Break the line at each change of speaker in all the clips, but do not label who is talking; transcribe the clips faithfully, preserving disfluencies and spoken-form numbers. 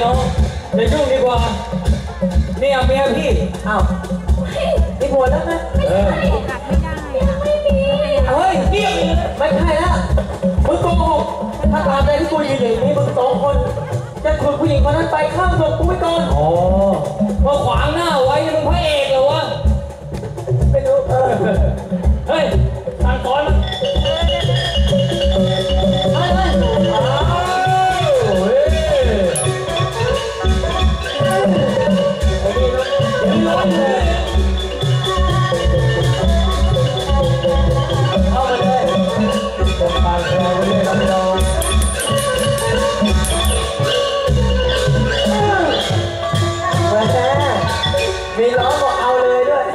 น้องเดี๋ยวยุ่งดีกว่านี่เอาเมียพี่อ้าวนี่ผัวแล้วนะเออไม่มีเฮ้ยเงียบไม่ใช่แล้วมึงโกหกถ้าตามใจที่กูยืนอย่างนี้มึงสองคนจะขุดผู้หญิงคนนั้นไปข้ามศพกูไม่ก่อนอ๋อมาขวางหน้าไว้มึงพระเอกเหรอวะไม่รู้เออเฮ้ยสั่งสอนมันเฮ้ยเฮ้ยอ้าวเฮ้ยร้อนเลยเข้ามาเลยผมปากแข็งเลยครับพี่น้องมาแท้มีล้อบอกเอาเลยด้วย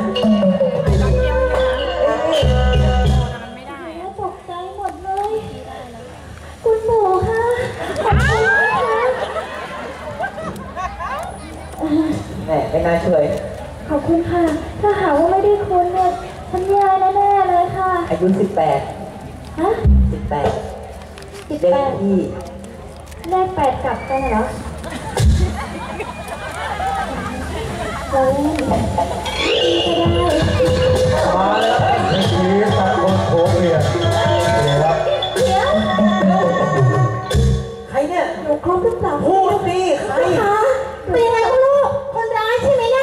ตกใจหมดเลยคุณหมูค่ะขอบคุณค่ะ
แหมไม่น่าเชื่อ
ขอบคุณค่ะถ้าหาว่าไม่ได้คุณเนี่ยฉันแย่แน่ๆเลยค่ะ
อายุสิบแปด
ฮะ
สิบแปด
สิบแปด
ที่
แลกแปดกลับกันเหรอเราเล่นก็ได้
มาเลยนี่คือตะโกนโผล่เมียครับ
เดี๋ยว
ใครเนี่ย
หนูครบหรือเปล่า
พูดดิใคร
คะเป็นยังไงคุณลูกคนร้ายใช่ไหมเนี่ย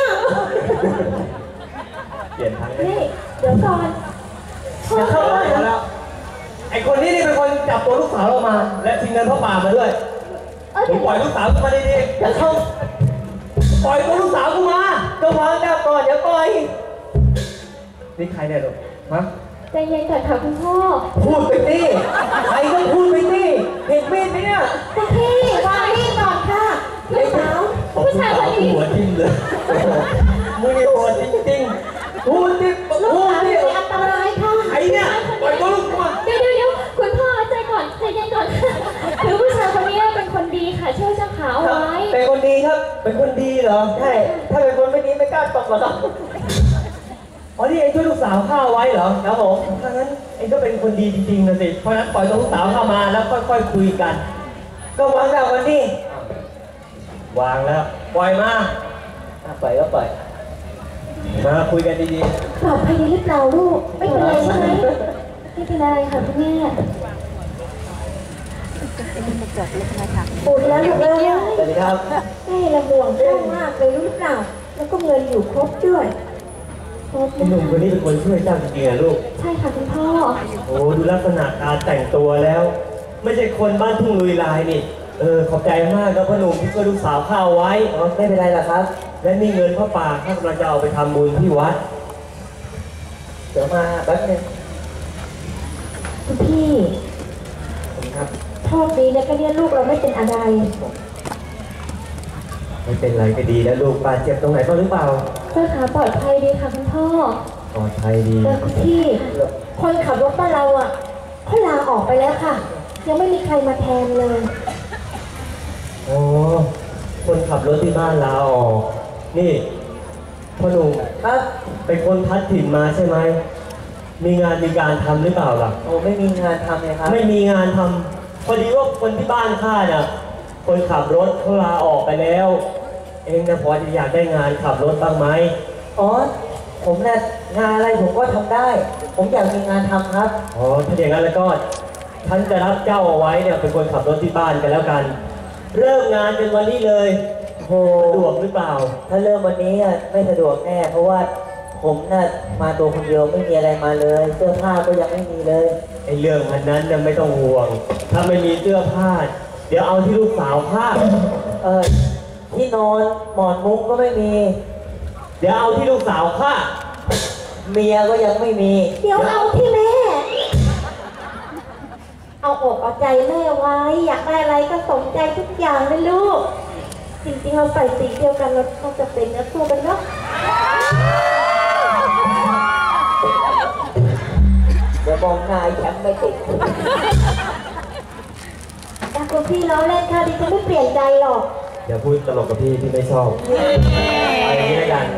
เปลี่ยนทาง
นี่เดี๋ยวก่อน
อย่าเข้าบ้านแล้วไอ้คนนี้นี่เป็นคนจับตัวลูกสาวเรามาและทิ้งเงินพ่อป่ามาด้วยผมปล่อยลูกสาวกูมาดีๆอย่าเข้าปล่อยตัวลูกสาวกูมาก็วางดาบก่อนเดี๋ยวปล่อยนี่ใครเนี่ยลูกฮะ
ใจเย็นก่อนค่ะคุณพ่อ
พูดไปดิใครก็พูดไปดิเห็นมีดไหมเนี่ย
คุณพี่วางมีดก่อนค่ะลูกสาวผู้ชายคนนี้
หัวทิ่มเลยมือนี่หัวจริงๆพูดดิพูดดิ
อันตรายค่ะ
ใครเนี่ยปล่อยตัวลูกมา
เดี๋ยวเดี๋ยวเดี๋ยวคุณพ่อใจก่อนใจเย็นก่อนคือผู้ชายคนนี้เป็นคนดีค่ะช่วยเจ้าขาวไว้
เป็นคนดีครับเป็นคนดีเหรอใช่ถ้าเป็นคนไม่ดีไม่กล้าตบหรอกอ๋อนี่เองช่วยลูกสาวข้าไว้เหรอครับผมถ้างั้นเองก็เป็นคนดีจริงๆนะสิเพราะนั้นปล่อยตัวลูกสาวเข้ามาแล้วค่อยๆคุยกันก็วางดาบวันนี้วางแล้วปล่อยมาปล่อยก็ปล่อยมาคุยกันดี
ๆปลอดภัยหรือเปล่าลูกไม่เป็นไรใช่ไหมไม่เป็นไรค่ะคุณแม่ปูดแล้วลูกเลย
สวัสดีครับ
แม่ละห่วงเรื่องมากเลยรู้หรือเปล่าแล้วก็เงินอยู่ครบด้วย
หนุ่มคนนี้เป็นคนช่วยเจ้าจริงๆลูก
ใช่ค่ะคุณพ่อ
โอ้ดูลักษณะการแต่งตัวแล้วไม่ใช่คนบ้านทุ่งลุยลายนี่เออขอบใจมากครับพ่อหนุ่มที่ช่วยลูกสาวข้าวไว้อ๋อไม่เป็นไรหรอกครับและนี่เงินพ่อป่าข้ากำลังจะเอาไปทำบุญที่วัดเดี๋ยวมาแป๊บนึง
คุณพี่
ครับ
โชคดีนะก็เนี่ยลูกเราไม่เป็นอะไร
ไม่เป็นไรก็ดีแล้วลูกบาดเจ็บตรงไหนบ้างหรือเปล่า
เจ้าขาปลอดภัยดีค่ะคุณพ่อ
ปลอดภัยดี
แต่คุณพี่คนขับรถบ้านเราอ่ะเขาลาออกไปแล้วค่ะยังไม่มีใครมาแทนเลย
โอ้คนขับรถที่บ้านลาออกนี่พ่อหนุ่มครับเป็นคนพัดถิ่นมาใช่ไหมมีงานมีการทำหรือเปล่าล่ะโอ้ไม่มีงานทำเลยครับไม่มีงานทำพอดีว่าคนที่บ้านข้าเนี่ยคนขับรถเขาลาออกไปแล้วเองนะพอจะอยากได้งานขับรถบ้างไหมอ๋อผมเนี่ยงานอะไรผมก็ทำได้ผมอยากมีงานทำครับอ๋อถ้าอย่างนั้นแล้วก็ท่านจะรับเจ้าเอาไว้เนี่ยเป็นคนขับรถที่บ้านกันแล้วกันเริ่มงานเป็นวันนี้เลยโหสะดวกหรือเปล่าถ้าเริ่มวันนี้ไม่สะดวกแน่เพราะว่าผมน่ะมาตัวคนเดียวไม่มีอะไรมาเลยเสื้อผ้าก็ยังไม่มีเลยไอ้เรื่องอันนั้นเนี่ยไม่ต้องห่วงถ้าไม่มีเสื้อผ้าเดี๋ยวเอาที่ลูกสาวผ้าเออที่นอนหมอนมุ้งก็ไม่มีเดี๋ยวเอาที่ลูกสาวผ้าเมียก็ยังไม่มี
เดี๋ยวเอาที่แม่เอาอกเอาใจแม่ไว้อยากได้อะไรก็สมใจทุกอย่างเลยลูกจริงๆเราใส่สีเดียวกันเราต้องจะเป็นเนื้อคู่กันเนาะ
เดี๋ยวมองหน้าแชมป์ไม่ติด
แต่คุณพี่ล้อเล่นค่ะดิฉันไม่เปลี่ยนใจหรอก
อย่าพูดตลกกับพี่พี่ไม่ชอบเอาอย่างนี้แล้วกัน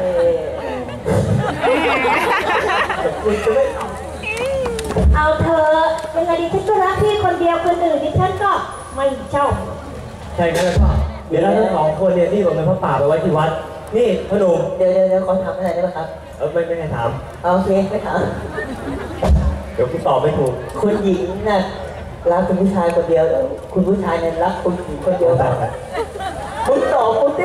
เอาเธอเป็นไงดิฉันก็รักพี่คนเดียวคนอื่นดิฉันก็ไม่ชอบ
ใช่กันแล้วก็เดี๋ยวเราทั้งสองคนเนี่ยรีบเอาเงินพระป่าไปไว้ที่วัดนี่พ่อหนุ่ม
เดี๋ยวเดี๋ยวเดี๋ยวขอถามอะไรได้ไหมครับ
เออไม่ไม่ให้ถาม
เอาโอเคไม่ถาม
เดี๋ยวคุณตอบไม่ถูก
คุณหญิงน่ะรักคุณผู้ชายคนเดียวแล้วคุณผู้ชายเนี่ยรักคุณหญิงคนเดียวกันคุณตอบคุณดิ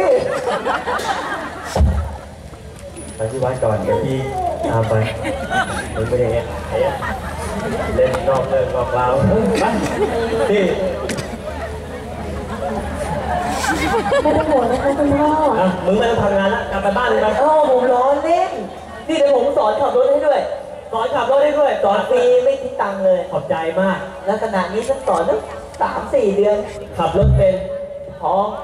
ไปที่วัดก่อนเดี๋ยวพี่ตามไปมันไม่ได้เงี้ยเล่นนอกเรื่องนอกราวไปนี่
ไม่ต้องห่วงนะคะคุณพ่อ
อ่ะมึงไม่ต้องทำงานละกลับไปบ้านเลยไป
เอ้าผมล้อเล่นนี่เดี๋ยวผมสอนขับรถให้ด้วย
สอนขับรถได้ด้วย
สอนฟรีไม่คิดตังค์เลย
ขอบใจมาก
แล้วขณะนี้ฉันสอนตั้งสามสี่เดือน
ขับรถเป็น
ท้อง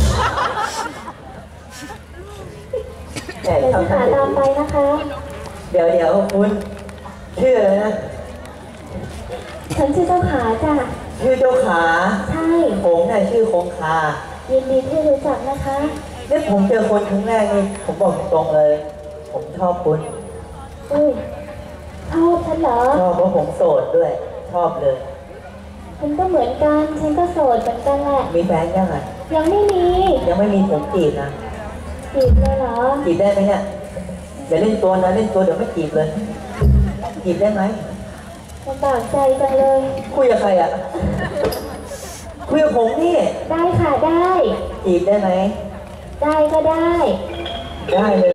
แต่
เดี๋ยว
ทำ
จะหาตามไปนะคะ
เดี๋ยวเดี๋ยวคุณชื่ออะไรนะ
ฉันชื่อเจ้าขาจ้ะ
ชื่อเจ้าขา
ใช่
ผมน่ะชื่อคงคา
ยินดีที่รู้จักนะคะ
เนี่ยผมเจอคนครั้งแรกนี่ผมบอกตรงๆเลย ผมชอบคุณ
อุ้ยชอบฉันเหรอ
ชอบเพราะผมโสดด้วย ชอบเลย
ฉันก็เหมือนกัน ฉันก็โสดเหมือนกันแหละ
มีแฟนยังไง
ยังไม่มี
ยังไม่มีผมจีบนะ
จีบเลยเหรอ
จีบได้ไหมเนี่ยอย่าเล่นตัวนะเล่นตัวเดี๋ยวไม่จีบเลย จีบได้ไหม
ลำบากใจจังเลย
คุยกับใครอ่ะ คุยกับผมนี่
ได้ค่ะได้
จีบได้ไหม
ได้ก็ได้
ได้เลย